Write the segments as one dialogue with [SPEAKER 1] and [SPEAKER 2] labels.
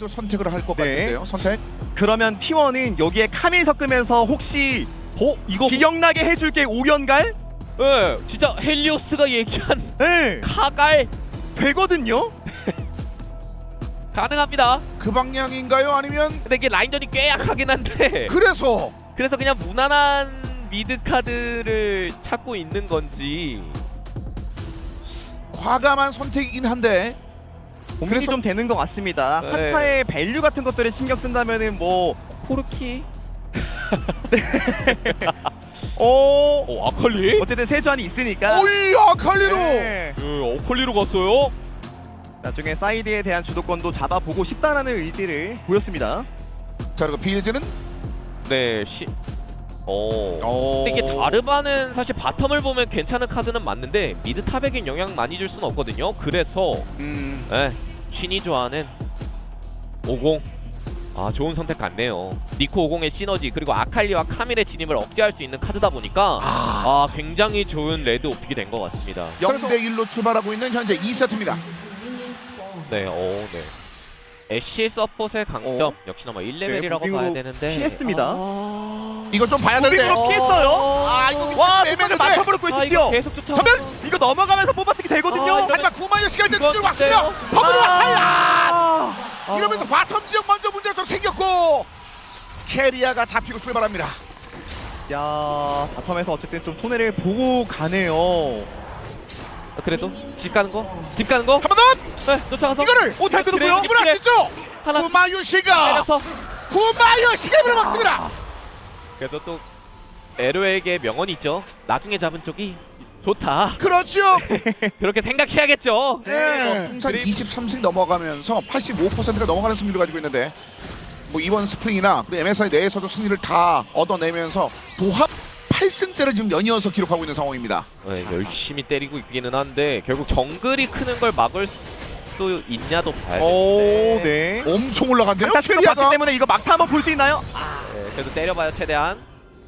[SPEAKER 1] T1도 선택을 할 것
[SPEAKER 2] 네.
[SPEAKER 1] 같은데요. 선택.
[SPEAKER 2] 그러면 T1은 여기에 카밀 섞으면서 혹시
[SPEAKER 3] 이거
[SPEAKER 2] 기억나게 해줄게 오연갈?
[SPEAKER 3] 예, 진짜 헬리오스가 얘기한
[SPEAKER 2] 네,
[SPEAKER 3] 카갈
[SPEAKER 2] 되거든요.
[SPEAKER 3] 가능합니다.
[SPEAKER 1] 그 방향인가요? 아니면
[SPEAKER 3] 근데 이게 라인전이 꽤 약하긴 한데
[SPEAKER 1] 그래서
[SPEAKER 3] 그래서 그냥 무난한 미드 카드를 찾고 있는 건지.
[SPEAKER 1] 과감한 선택이긴 한데
[SPEAKER 2] 고민이 좀 되는 것 같습니다.
[SPEAKER 3] 네.
[SPEAKER 2] 한타의 밸류 같은 것들을 신경 쓴다면은 뭐
[SPEAKER 3] 포르키? 아칼리?
[SPEAKER 2] 어쨌든 세주안이 있으니까.
[SPEAKER 1] 오이 아칼리로.
[SPEAKER 2] 네.
[SPEAKER 3] 아칼리로 갔어요?
[SPEAKER 2] 나중에 사이드에 대한 주도권도 잡아보고 싶다라는 의지를 보였습니다.
[SPEAKER 1] 자 그리고 빌즈는
[SPEAKER 3] 네, 근데 이게 자르바는 사실 바텀을 보면 괜찮은 카드는 맞는데 미드 탑에겐 영향 많이 줄 수는 없거든요. 그래서 신이 좋아하는 50. 좋은 선택 같네요. 니코 50의 시너지 그리고 아칼리와 카밀의 진입을 억제할 수 있는 카드다 보니까 굉장히 좋은 레드 오픽이 된 것 같습니다.
[SPEAKER 1] 0대1로 출발하고 있는 현재 2세트입니다.
[SPEAKER 3] 네, 네. 애쉬 서폿의 강점 역시나 뭐 1레벨이라고
[SPEAKER 2] 네,
[SPEAKER 3] 봐야 되는데
[SPEAKER 2] 피했습니다.
[SPEAKER 1] 이거 좀 봐야 되는데.
[SPEAKER 2] 무빙으로 피했어요.
[SPEAKER 1] 이거
[SPEAKER 2] 와,
[SPEAKER 1] 애매한데.
[SPEAKER 2] 손을 맞춰버렸고
[SPEAKER 3] 이거
[SPEAKER 2] 있었죠.
[SPEAKER 3] 계속 쫓아.
[SPEAKER 2] 이거 넘어가면서 뽑아쓰기 되거든요.
[SPEAKER 3] 이러면-
[SPEAKER 1] 하지만 구마유 시간 때
[SPEAKER 3] 이건
[SPEAKER 1] 들 왔습니다.
[SPEAKER 3] 어때요?
[SPEAKER 1] 버블이 왔어요.
[SPEAKER 3] 아.
[SPEAKER 1] 이러면서 바텀 지역 먼저 문제가 좀 생겼고 캐리아가 잡히고 출발합니다.
[SPEAKER 2] 야, 바텀에서 어쨌든 좀 손해를 보고 가네요.
[SPEAKER 3] 그래도 집 가는 거? 집 가는 거?
[SPEAKER 1] 한 번 더.
[SPEAKER 3] 네, 쫓아가서
[SPEAKER 2] 이거를 잘 끊었고요.
[SPEAKER 1] 이분 할 수 있죠.
[SPEAKER 3] 하나
[SPEAKER 1] 구마유 씨가
[SPEAKER 3] 때려서.
[SPEAKER 1] 구마유 씨가 이번에 막습니다.
[SPEAKER 3] 그래도 또 에로에게 명언이 있죠. 나중에 잡은 쪽이 좋다.
[SPEAKER 1] 그렇죠.
[SPEAKER 3] 그렇게 생각해야겠죠.
[SPEAKER 1] 네. 통산 23승 넘어가면서 85%가 넘어가는 승률을 가지고 있는데 뭐 이번 스프링이나 그리고 MSI 내에서도 승리를 다 얻어내면서 도합 8승째를 지금 연이어서 기록하고 있는 상황입니다.
[SPEAKER 3] 네, 열심히 때리고 있기는 한데 결국 정글이 크는 걸 막을 수 있냐도 봐야
[SPEAKER 2] 오,
[SPEAKER 3] 되는데.
[SPEAKER 2] 네.
[SPEAKER 1] 엄청 올라간대요.
[SPEAKER 2] 강타스가
[SPEAKER 1] 캐리아가.
[SPEAKER 2] 봤기 때문에 이거 막타 한번 볼 수 있나요?
[SPEAKER 3] 네, 그래도 때려봐요 최대한.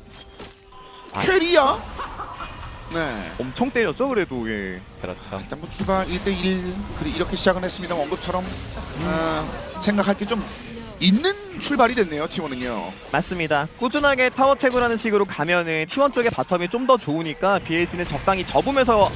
[SPEAKER 1] 캐리아. 네.
[SPEAKER 2] 엄청 때렸죠, 그래도. 예.
[SPEAKER 3] 그렇죠.
[SPEAKER 1] 일단 뭐 출발 1대1 이렇게 시작은 했습니다. 언급처럼 생각할 게 좀 있는 출발이 됐네요. T1은요.
[SPEAKER 2] 맞습니다. 꾸준하게 타워 채굴하는 식으로 가면은 T1 쪽의 바텀이 좀 더 좋으니까 BLC는 적당히 접으면서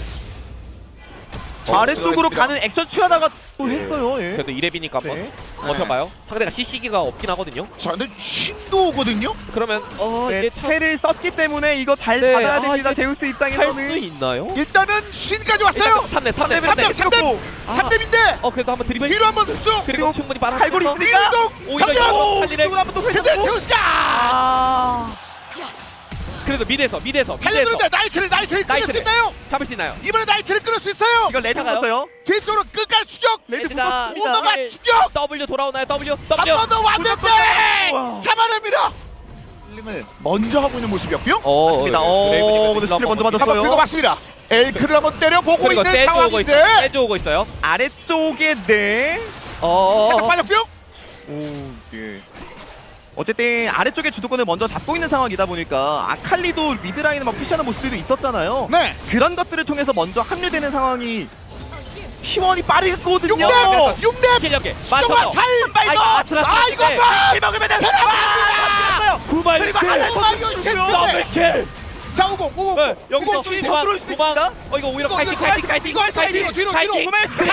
[SPEAKER 2] 아래쪽으로
[SPEAKER 1] 들어갔습니다.
[SPEAKER 2] 가는 액션 취하다가 또 했어요. 예.
[SPEAKER 3] 그래도 2렙이니까 한번
[SPEAKER 2] 네.
[SPEAKER 3] 버텨봐요. 상대가 CC기가 없긴 하거든요.
[SPEAKER 1] 자, 근데 신도 오거든요.
[SPEAKER 3] 그러면
[SPEAKER 2] 네,
[SPEAKER 3] 이게 참
[SPEAKER 2] 패를 썼기 때문에 이거 잘
[SPEAKER 3] 네,
[SPEAKER 2] 받아야 됩니다.
[SPEAKER 3] 이게
[SPEAKER 2] 제우스
[SPEAKER 3] 할 수
[SPEAKER 2] 입장에서는.
[SPEAKER 3] 있나요?
[SPEAKER 1] 일단은 신까지 왔어요.
[SPEAKER 3] 3렙
[SPEAKER 1] 3렙.
[SPEAKER 3] 아.
[SPEAKER 1] 3렙인데
[SPEAKER 3] 그래도 한번 드리블.
[SPEAKER 1] 뒤로 한번 쭉.
[SPEAKER 3] 그리고 충분히 빨아.
[SPEAKER 2] 갈고리 있으니까
[SPEAKER 3] 오히려
[SPEAKER 1] 장전!
[SPEAKER 3] 이거 칼리를.
[SPEAKER 2] 이걸 한번 또
[SPEAKER 1] 근데
[SPEAKER 2] 회전하고.
[SPEAKER 1] 제우스가
[SPEAKER 2] 아,
[SPEAKER 3] 그래도 미드에서
[SPEAKER 1] 달려드는데 나이트를 끌을 수 있나요?
[SPEAKER 3] 잡을 수 있나요?
[SPEAKER 1] 이번에 나이트를 끌을 수 있어요.
[SPEAKER 2] 이거 레드
[SPEAKER 3] 차가요?
[SPEAKER 2] 붙었어요.
[SPEAKER 1] 뒤쪽으로 끝까지 추격.
[SPEAKER 2] 레드
[SPEAKER 3] 레드가
[SPEAKER 2] 붙었습니다.
[SPEAKER 1] 오너가 추격.
[SPEAKER 3] W 돌아오나요? W.
[SPEAKER 1] 한 번 더 왔는데
[SPEAKER 2] 우와.
[SPEAKER 1] 잡아냅니다. 을 먼저 하고 있는 모습이었고요.
[SPEAKER 2] 맞습니다. 근데 스킬 먼저
[SPEAKER 1] 한번
[SPEAKER 2] 맞았어요.
[SPEAKER 1] 긁어 봤습니다. 엘크를 한번 때려보고
[SPEAKER 3] 그리고
[SPEAKER 1] 있는
[SPEAKER 3] 세주 오고 있어요.
[SPEAKER 1] 상황인데
[SPEAKER 3] 세주 오고 있어요.
[SPEAKER 2] 아래쪽에 네.
[SPEAKER 1] 살짝 빠졌고요.
[SPEAKER 2] 오, 예. 어쨌든 아래쪽에 주도권을 먼저 잡고 있는 상황이다 보니까 아칼리도 미드라인을 막 푸시하는 모습들도 있었잖아요.
[SPEAKER 1] 네.
[SPEAKER 2] 그런 것들을 통해서 먼저 합류되는 상황이 T1이 빠르거든요.
[SPEAKER 1] 6렙! 6렙!
[SPEAKER 3] 실력에
[SPEAKER 1] 수정화
[SPEAKER 3] 맞춰서.
[SPEAKER 1] 살발 더!
[SPEAKER 3] 아슬아슬.
[SPEAKER 1] 이거 봐!
[SPEAKER 2] 이 먹으면 돼. 아,
[SPEAKER 3] 구발
[SPEAKER 2] 그리고 하나 더
[SPEAKER 3] 더블킬.
[SPEAKER 1] 자, 50.
[SPEAKER 3] 여기서
[SPEAKER 2] 이거 뒤에 더 들어올 수 있습니다.
[SPEAKER 3] 이거 오히려
[SPEAKER 1] 이거
[SPEAKER 3] 카이팅.
[SPEAKER 1] 이거 뒤로
[SPEAKER 3] 카이팅.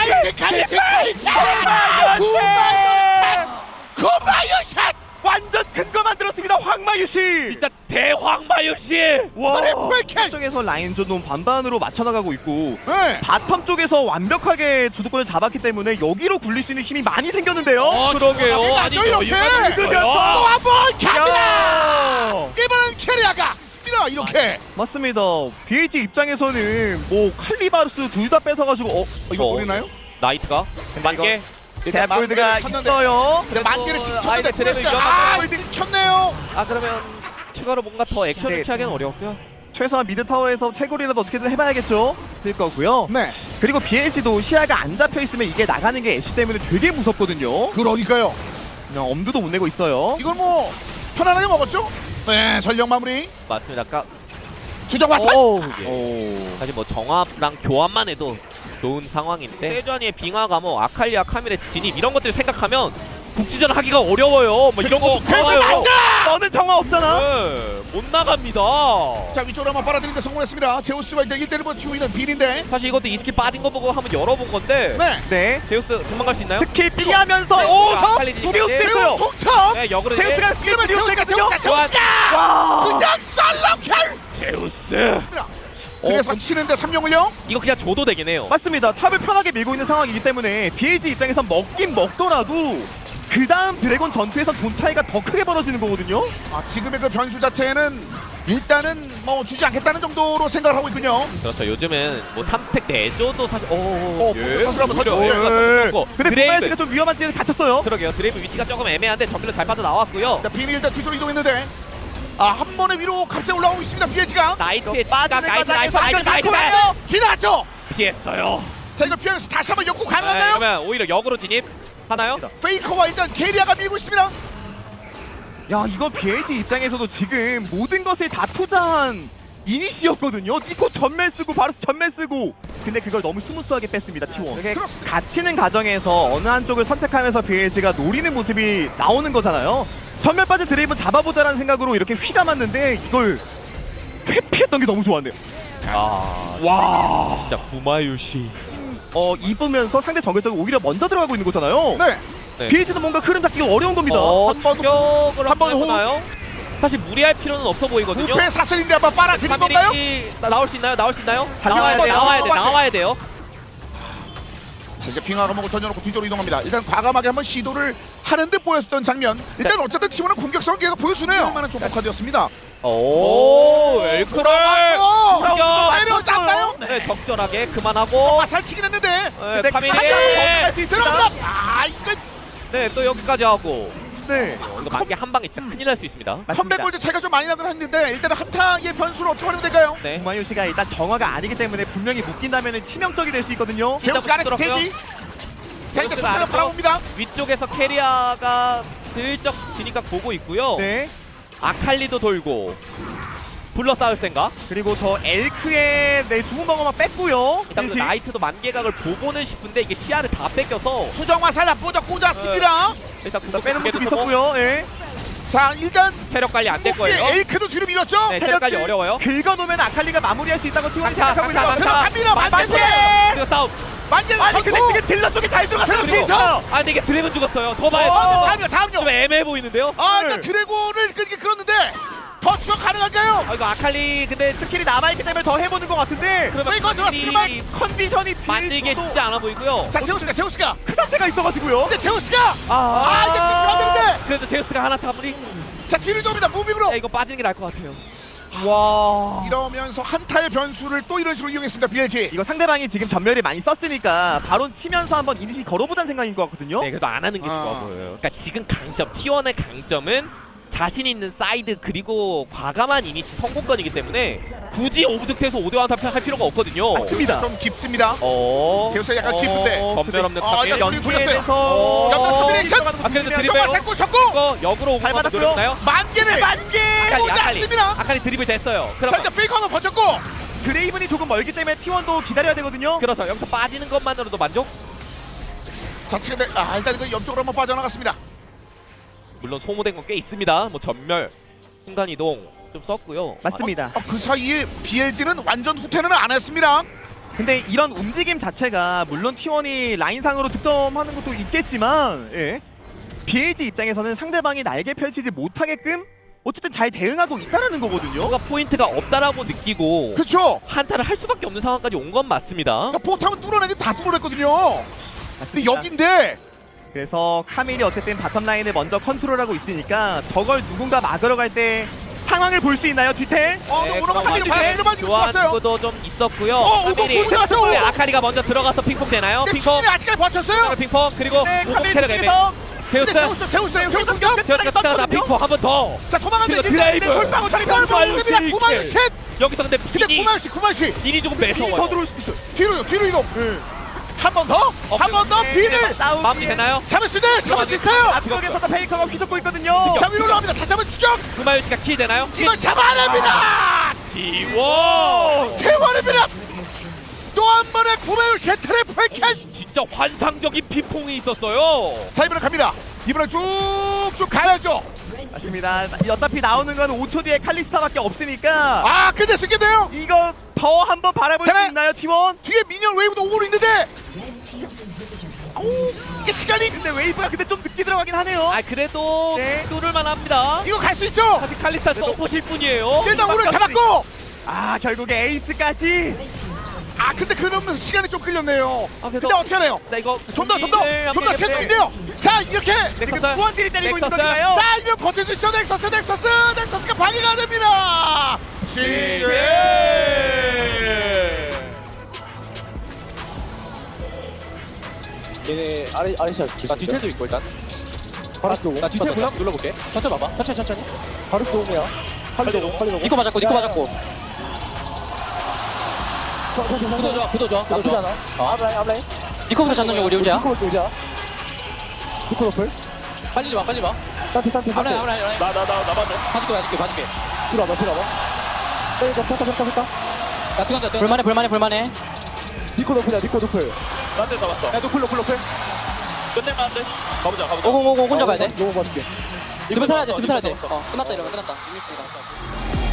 [SPEAKER 1] 구마유샷!
[SPEAKER 2] 완전 큰 거 만들었습니다. 황마유 씨.
[SPEAKER 3] 진짜 대황마유 씨.
[SPEAKER 2] 와.
[SPEAKER 1] 트리플
[SPEAKER 2] 쪽에서 라인 전동 반반으로 맞춰 나가고 있고
[SPEAKER 1] 네.
[SPEAKER 2] 바텀 쪽에서 완벽하게 주도권을 잡았기 때문에 여기로 굴릴 수 있는 힘이 많이 생겼는데요.
[SPEAKER 3] 그러게요. 아니
[SPEAKER 1] 이렇게
[SPEAKER 2] 뜯으면서.
[SPEAKER 1] 또 한번 갑니다!
[SPEAKER 2] 야.
[SPEAKER 1] 이번엔 캐리아가 이렇게
[SPEAKER 2] 맞습니다. BH 입장에서는 뭐 칼리바르스 둘 다 뺏어가지고
[SPEAKER 1] 이거 노리나요?
[SPEAKER 3] 나이트가 만개.
[SPEAKER 2] 제압골드가
[SPEAKER 1] 켰는데.
[SPEAKER 2] 있어요.
[SPEAKER 1] 근데 만개를 직접
[SPEAKER 3] 아이들 드래곤
[SPEAKER 1] 골드 켰네요.
[SPEAKER 3] 그러면 추가로 뭔가 더 액션을
[SPEAKER 2] 네.
[SPEAKER 3] 취하기는 어렵고요.
[SPEAKER 2] 최소한 미드 타워에서 채굴이라도 어떻게든 해봐야겠죠. 쓸 거고요.
[SPEAKER 1] 네.
[SPEAKER 2] 그리고 BLC도 시야가 안 잡혀 있으면 이게 나가는 게 애쉬 때문에 되게 무섭거든요.
[SPEAKER 1] 그러니까요.
[SPEAKER 2] 그냥 엄두도 못 내고 있어요.
[SPEAKER 1] 이걸 뭐 편안하게 먹었죠? 네, 전력 마무리.
[SPEAKER 3] 맞습니다. 아까
[SPEAKER 1] 주정 왔어.
[SPEAKER 3] 오.
[SPEAKER 2] 오.
[SPEAKER 3] 사실 뭐 정합랑 교환만 해도 좋은 상황인데 세주안이의 빙하가 뭐 아칼리아 카밀의 진입 이런 것들 생각하면 국지전 하기가 어려워요. 뭐 이런 거 나와요.
[SPEAKER 2] 너는 정화 없잖아.
[SPEAKER 3] 네, 못 나갑니다.
[SPEAKER 1] 자, 위쪽으로 한번 빨아들이는데 성공했습니다. 제우스가 일단 1대1번 튀고 있는 빌인데.
[SPEAKER 3] 사실 이것도 이 스킬 빠진 거 보고 한번 열어본 건데
[SPEAKER 1] 네.
[SPEAKER 2] 네.
[SPEAKER 3] 제우스 도망갈 수 있나요?
[SPEAKER 2] 스킬 피하면서
[SPEAKER 3] 네,
[SPEAKER 2] 오,
[SPEAKER 3] 아칼리
[SPEAKER 2] 저 두개웃 됐어요.
[SPEAKER 1] 통첩.
[SPEAKER 3] 네, 역으로
[SPEAKER 2] 제우스가 스킬 피했거든요.
[SPEAKER 1] 제우스가.
[SPEAKER 2] 와.
[SPEAKER 1] 그냥 썰렁켈.
[SPEAKER 3] 제우스.
[SPEAKER 1] 그래서 치는데 3용을요?
[SPEAKER 3] 이거 그냥 줘도 되긴 해요.
[SPEAKER 2] 맞습니다. 탑을 편하게 밀고 있는 상황이기 때문에 BLG 입장에선 먹긴 먹더라도 그 다음 드래곤 전투에서 돈 차이가 더 크게 벌어지는 거거든요.
[SPEAKER 1] 아, 지금의 그 변수 자체는 일단은 뭐 주지 않겠다는 정도로 생각을 하고 있군요.
[SPEAKER 3] 그렇죠. 요즘은 뭐 3스택 내줘도 사실
[SPEAKER 1] 선수를 한번 더
[SPEAKER 2] 근데
[SPEAKER 3] 드레이브
[SPEAKER 2] 보마이스가 좀 위험한 지역에 갇혔어요.
[SPEAKER 3] 그러게요. 드레이브 위치가 조금 애매한데 전멸로 잘 빠져나왔고요.
[SPEAKER 1] 자, 비닐 일단 뒤로 이동했는데 한 번에 위로 갑자기 올라오고 있습니다. 비에지가
[SPEAKER 3] 나이트의
[SPEAKER 2] 빠지는
[SPEAKER 3] 나이트
[SPEAKER 2] 과정에서
[SPEAKER 1] 지나갔죠.
[SPEAKER 3] 피했어요.
[SPEAKER 1] 자, 이거 피하면서 다시 한번 역구
[SPEAKER 3] 네,
[SPEAKER 1] 가능한가요?
[SPEAKER 3] 그러면 오히려 역으로 진입 하나요?
[SPEAKER 1] 페이커와 일단 게리아가 밀고 있습니다.
[SPEAKER 2] 야, 이건 BLG 입장에서도 지금 모든 것을 다 투자한 이니시였거든요. 이거 전멸 쓰고 바로 전멸 쓰고. 근데 그걸 너무 스무스하게 뺐습니다. T1. 이게 갇히는 과정에서 어느 한쪽을 선택하면서 BLG가 노리는 모습이 나오는 거잖아요. 전멸 빠진 드레이븐 잡아보자라는 생각으로 이렇게 휘감았는데 이걸 회피했던 게 너무 좋았네요.
[SPEAKER 3] 와 진짜 구마유시.
[SPEAKER 2] 입으면서 상대 정글적으로 오히려 먼저 들어가고 있는 거잖아요.
[SPEAKER 1] 네.
[SPEAKER 3] 네.
[SPEAKER 2] BLG도 뭔가 흐름 잡기가 어려운 겁니다.
[SPEAKER 3] 추격을
[SPEAKER 1] 한번
[SPEAKER 3] 한번 해보나요? 사실 무리할 필요는 없어 보이거든요.
[SPEAKER 1] 부패 사슬인데 한번 빨아들인 건가요?
[SPEAKER 3] 나올 수 있나요? 나올 수 있나요?
[SPEAKER 2] 잘
[SPEAKER 3] 나와야 돼요.
[SPEAKER 1] 자, 이제 빙하 감옥을 던져놓고 뒤쪽으로 이동합니다. 일단 과감하게 한번 시도를 하는 듯 보였던 장면. 일단 어쨌든 팀원은 공격성을 계속 보여주네요. 얼마나 좀 녹화되었습니다.
[SPEAKER 3] 오, 엘크를
[SPEAKER 1] 내려왔나요?
[SPEAKER 3] 네, 적절하게 그만하고.
[SPEAKER 1] 살치긴 했는데.
[SPEAKER 3] 네, 카밀이.
[SPEAKER 2] 할수 있습니다.
[SPEAKER 1] 이거
[SPEAKER 3] 네, 또 여기까지 하고.
[SPEAKER 2] 네.
[SPEAKER 3] 이거 만개 한 방에 진짜 큰일 날 수 있습니다.
[SPEAKER 1] 컴백 골드 차이가 좀 많이 나긴 했는데 일단은 한타의 변수를 어떻게 활용 될까요?
[SPEAKER 3] 네.
[SPEAKER 2] 구마유시가 일단 정화가 아니기 때문에 분명히 묶인다면 치명적이 될 수 있거든요.
[SPEAKER 1] 제우스 아래
[SPEAKER 3] 부끄럽고요.
[SPEAKER 1] 대기. 자, 이제
[SPEAKER 3] 제우스가
[SPEAKER 1] 선수가
[SPEAKER 3] 아래쪽.
[SPEAKER 1] 바라봅니다.
[SPEAKER 3] 위쪽에서 캐리아가 슬쩍 지니까 보고 있고요.
[SPEAKER 2] 네.
[SPEAKER 3] 아칼리도 돌고. 불러 싸울 생각.
[SPEAKER 2] 그리고 저 엘크의 주문 방어만 뺐고요.
[SPEAKER 3] 일단 그 나이트도 만개각을 보고는 싶은데 이게 시야를 다 뺏겨서
[SPEAKER 1] 수정 화살 나쁘죠 꽂았습니다.
[SPEAKER 3] 일단
[SPEAKER 2] 일단 빼는 모습이
[SPEAKER 3] 구독
[SPEAKER 2] 있었고요. 예.
[SPEAKER 1] 자, 일단
[SPEAKER 3] 체력 관리 안 될 거예요.
[SPEAKER 1] 엘크도 뒤로 밀었죠.
[SPEAKER 3] 네, 체력 관리
[SPEAKER 2] 체력들
[SPEAKER 3] 어려워요.
[SPEAKER 2] 긁어놓으면 아칼리가 마무리할 수 있다고 T1이
[SPEAKER 3] 강타,
[SPEAKER 2] 생각하고 있는 것
[SPEAKER 3] 강타,
[SPEAKER 2] 같아요.
[SPEAKER 1] 갑니다. 만개.
[SPEAKER 3] 그리고 싸움.
[SPEAKER 1] 만개.
[SPEAKER 2] 아니 근데 그게 딜러 쪽이 잘 들어갔어요.
[SPEAKER 3] 그리고
[SPEAKER 2] 피터.
[SPEAKER 3] 아 근데 이게 드래곤 죽었어요. 더 봐야
[SPEAKER 1] 다음요.
[SPEAKER 3] 좀 애매해 보이는데요.
[SPEAKER 1] 일단 드래곤을 끊기 그렇는데 더 추격 가능한가요?
[SPEAKER 3] 이거 아칼리 근데
[SPEAKER 2] 스킬이 남아있기 때문에 더 해보는 것 같은데
[SPEAKER 3] 그러면
[SPEAKER 1] 이거
[SPEAKER 3] 컨디
[SPEAKER 2] 컨디션이
[SPEAKER 3] 만들기 쉽지 않아 보이고요.
[SPEAKER 1] 자, 제우스가
[SPEAKER 2] 그 상태가 있어가지고요.
[SPEAKER 1] 근데 제우스가 이게 들어가는데
[SPEAKER 3] 그래도 제우스가 하나 잡으니
[SPEAKER 1] 자, 뒤로 이동합니다. 무빙으로.
[SPEAKER 3] 이거 빠지는 게 나을 것 같아요.
[SPEAKER 2] 와.
[SPEAKER 1] 이러면서 한타의 변수를 또 이런 식으로 이용했습니다. BLG.
[SPEAKER 2] 이거 상대방이 지금 전멸을 많이 썼으니까 바론 치면서 한번 이니시 걸어보자는 생각인 것 같거든요.
[SPEAKER 3] 네, 그래도 안 하는 게 좋아 보여요. 그러니까 지금 강점 T1의 강점은 자신 있는 사이드 그리고 과감한 이니시 성공권이기 때문에 굳이 오브젝트에서 5대1 한타 할 필요가 없거든요.
[SPEAKER 2] 맞습니다.
[SPEAKER 1] 좀 깊습니다.
[SPEAKER 3] 어.
[SPEAKER 1] 제우스가 약간 깊은데.
[SPEAKER 3] 검별 없는
[SPEAKER 1] 아,
[SPEAKER 3] 카밀.
[SPEAKER 1] 이거
[SPEAKER 2] 연계에
[SPEAKER 1] 보였어요.
[SPEAKER 2] 대해서
[SPEAKER 1] 약간 커뮤니케이션.
[SPEAKER 3] 그래도 드리블.
[SPEAKER 1] 정말 됐고 쳤고.
[SPEAKER 3] 이거 역으로 오고
[SPEAKER 2] 잘 받았고요.
[SPEAKER 3] 노렸나요?
[SPEAKER 1] 만개를 오지 않습니다.
[SPEAKER 3] 아칼리 드리블 됐어요.
[SPEAKER 1] 자,
[SPEAKER 3] 그럼
[SPEAKER 1] 이제 페이커 한번 번졌고.
[SPEAKER 2] 그레이븐이 조금 멀기 때문에 T1도 기다려야 되거든요.
[SPEAKER 3] 그래서 여기서 빠지는 것만으로도 만족?
[SPEAKER 1] 자, 지금 일단 이거 옆쪽으로 한번 빠져나갔습니다.
[SPEAKER 3] 물론 소모된 건 꽤 있습니다. 뭐 전멸, 순간 이동 좀 썼고요.
[SPEAKER 2] 맞습니다.
[SPEAKER 1] 그 사이에 BLG는 완전 후퇴는 안 했습니다.
[SPEAKER 2] 근데 이런 움직임 자체가 물론 T1이 라인상으로 득점하는 것도 있겠지만 BLG 입장에서는 상대방이 날개 펼치지 못하게끔 어쨌든 잘 대응하고 있다는 거거든요.
[SPEAKER 3] 뭔가 포인트가 없다라고 느끼고
[SPEAKER 1] 그렇죠.
[SPEAKER 3] 한타를 할 수밖에 없는 상황까지 온 건 맞습니다.
[SPEAKER 1] 그러니까 포탑은 뚫어내기 다 뚫어냈거든요. 근데
[SPEAKER 2] 맞습니다.
[SPEAKER 1] 여긴데
[SPEAKER 2] 그래서 카밀이 어쨌든 바텀 라인을 먼저 컨트롤하고 있으니까 저걸 누군가 막으러 갈 때 상황을 볼 수 있나요? 뒤텔?
[SPEAKER 1] 오너가 카밀이 바로 이거
[SPEAKER 3] 교환
[SPEAKER 1] 쐈어요.
[SPEAKER 3] 구도 좀 있었고요.
[SPEAKER 1] 오고
[SPEAKER 3] 카밀이
[SPEAKER 1] 포인트 왔어요.
[SPEAKER 3] 네, 아카리가 먼저 들어가서 핑퐁 되나요?
[SPEAKER 1] 근데
[SPEAKER 3] 핑퐁.
[SPEAKER 1] 충분히 아직까지 버텼어요.
[SPEAKER 3] 핑퐁 그리고
[SPEAKER 2] 네,
[SPEAKER 3] 오공
[SPEAKER 2] 카밀이
[SPEAKER 3] 체력 애매.
[SPEAKER 2] 쪽에서
[SPEAKER 3] 제우스.
[SPEAKER 1] 제우스
[SPEAKER 3] 제우스가 나 핑퐁 한 번 더.
[SPEAKER 1] 자, 도망가는데
[SPEAKER 3] 그리고 드라이브.
[SPEAKER 1] 돌방울 돌방울 됩니다. 9만 셋.
[SPEAKER 3] 여기서 근데
[SPEAKER 1] 근데
[SPEAKER 3] 빈이
[SPEAKER 1] 9만 씨.
[SPEAKER 3] 빈이 조금
[SPEAKER 2] 빈이
[SPEAKER 3] 매서워요.
[SPEAKER 2] 더 들어올 수 있어요.
[SPEAKER 1] 뒤로 이동. 한 번 더. 한 번 더. 비를
[SPEAKER 2] 싸움.
[SPEAKER 3] 마무리 되나요?
[SPEAKER 1] 잡을 수 있어요.
[SPEAKER 2] 앞쪽에서도 페이커가 휘젓고 있거든요.
[SPEAKER 1] 자, 위로 올라갑니다. 다시 한번 추격.
[SPEAKER 3] 구마유 씨가 킬 되나요?
[SPEAKER 1] 이걸 잡아냅니다.
[SPEAKER 3] 디워.
[SPEAKER 1] 태워냅니다. 또 한 번의 구매율 세 트리플 캐치.
[SPEAKER 3] 진짜 환상적인 피퐁이 있었어요.
[SPEAKER 1] 자 이번에 갑니다. 이번에 쭉쭉 가야죠.
[SPEAKER 2] 맞습니다. 어차피 나오는 건 5초 뒤에 칼리스타밖에 없으니까
[SPEAKER 1] 아 근데 쓰겠네요.
[SPEAKER 2] 이거 더 한번 바라볼 수
[SPEAKER 1] 되네.
[SPEAKER 2] 있나요, T1?
[SPEAKER 1] 뒤에 미니언 웨이브도 오고 있는데. 오 이게 시간이
[SPEAKER 2] 근데 웨이브가 근데 좀 늦게 들어가긴 하네요.
[SPEAKER 3] 아 그래도
[SPEAKER 2] 네.
[SPEAKER 3] 뚫을만 합니다.
[SPEAKER 1] 이거 갈 수 있죠.
[SPEAKER 3] 사실 칼리스타 서포실 뿐이에요.
[SPEAKER 1] 일단 오늘 잡았고.
[SPEAKER 2] 아 결국에 에이스까지.
[SPEAKER 1] 아 근데 그러면 시간이 좀 끌렸네요.
[SPEAKER 3] 아,
[SPEAKER 1] 근데 어떻게 하나요?
[SPEAKER 3] 나 이거
[SPEAKER 1] 좀 더 채팅인데요. 자 이렇게
[SPEAKER 2] 지금
[SPEAKER 3] 넥서스.
[SPEAKER 2] 후원들이 때리고 있는
[SPEAKER 3] 넥서스.
[SPEAKER 2] 건가요?
[SPEAKER 1] 자 이런 버틸 수 있죠. 넥서스가 방해가 됩니다.
[SPEAKER 4] 얘네 아레시아 기가 뒤태도 있고 일단 바루스 오고 나 뒤태 그냥 눌러볼게. 천천히 봐봐. 천천히 바루스 오고야. 빨리 오고 니코 맞았고 구도 좋아 나쁘지 않아. 앞라인 니코부터 잡는 중 우리 우지야. 니코 높을 빨리 봐 산티 앞라인 나 봐줘 봐줄게 들어와봐 펴까 나 들어간다 불만해 니코 높을 나한테 잡았어 야 노플 끝낼만 한데 가보자
[SPEAKER 5] 오공 혼자 가야 돼.
[SPEAKER 4] 너무 봐줄게
[SPEAKER 5] 집에 살아야 돼. 끝났다 이러면 끝났다.